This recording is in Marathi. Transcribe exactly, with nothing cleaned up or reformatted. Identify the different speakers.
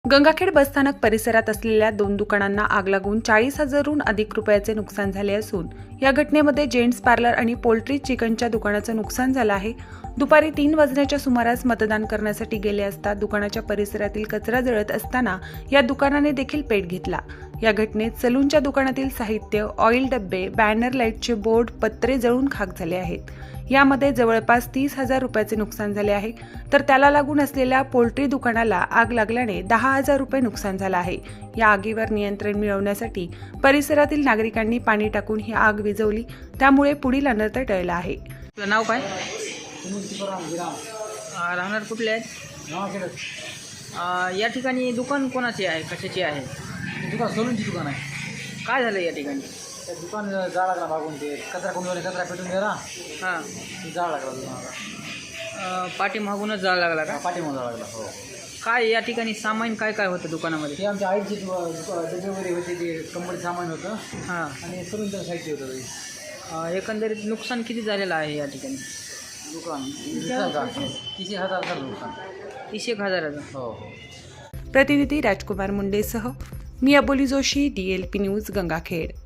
Speaker 1: गंगाखेड बसस्थानक परिसरात असलेल्या दोन दुकानांना आग लागून चाळीस हजारहून अधिक रुपयाचे नुकसान झाले असून या घटनेमध्ये जेंट्स पार्लर आणि पोल्ट्री चिकनच्या दुकानाचं नुकसान झालं आहे। दुपारी तीन वाजण्याच्या सुमारास मतदान करण्यासाठी गेले असता दुकानाच्या परिसरातील कचरा जळत असताना या दुकानाने देखील पेट घेतला। या घटनेत सलूनच्या दुकानातील साहित्य, ऑइल डब्बे, बॅनर, लाईटचे बोर्ड, पत्रे जळून खाक झाले आहेत। यामध्ये जवळपास तीस हजार रुपयाचे नुकसान झाले आहे, तर त्याला लागून असलेल्या पोल्ट्री दुकानाला आग लागल्याने दहा हजार रुपये नुकसान झालं आहे। या आगीवर नियंत्रण मिळवण्यासाठी परिसरातील नागरिकांनी पाणी टाकून ही आग विझवली, त्यामुळे पुढील अनर्थ टळला आहे।
Speaker 2: आपलं नाव काय? आ, राहणार कुठले आहेत? आ, या ठिकाणी दुकान कोणाचे आहे, कशाचे आहे?
Speaker 3: दुकान सलूनची दुकान आहे।
Speaker 2: काय झालं या ठिकाणी?
Speaker 3: त्या दुकान जाळ लागला मागून, ते कचरा कोणी कचरा पेटून गेला,
Speaker 2: हां,
Speaker 3: जाळ लागला दुकानाला।
Speaker 2: पाठीमागूनच जाळ लागला का?
Speaker 3: पाठीमागं जाळ लागला। हो,
Speaker 2: काय या ठिकाणी सामान काय काय होतं दुकानामध्ये?
Speaker 3: ते आमच्या आईचे डबे वगैरे होते, ते कंपनी सामान होतं
Speaker 2: हां,
Speaker 3: आणि सलूनचं साहित्य होतं ते
Speaker 2: आ, एकंदरीत नुकसान किती झालेलं आहे या ठिकाणी?
Speaker 3: दुकान तीस हजार तीस हजार झालं दुकान।
Speaker 2: तीस एक हजाराचं?
Speaker 3: हो हो।
Speaker 1: प्रतिनिधी राजकुमार मुंडेसह मी Aboli Joshi, D L P news, Gangakhed.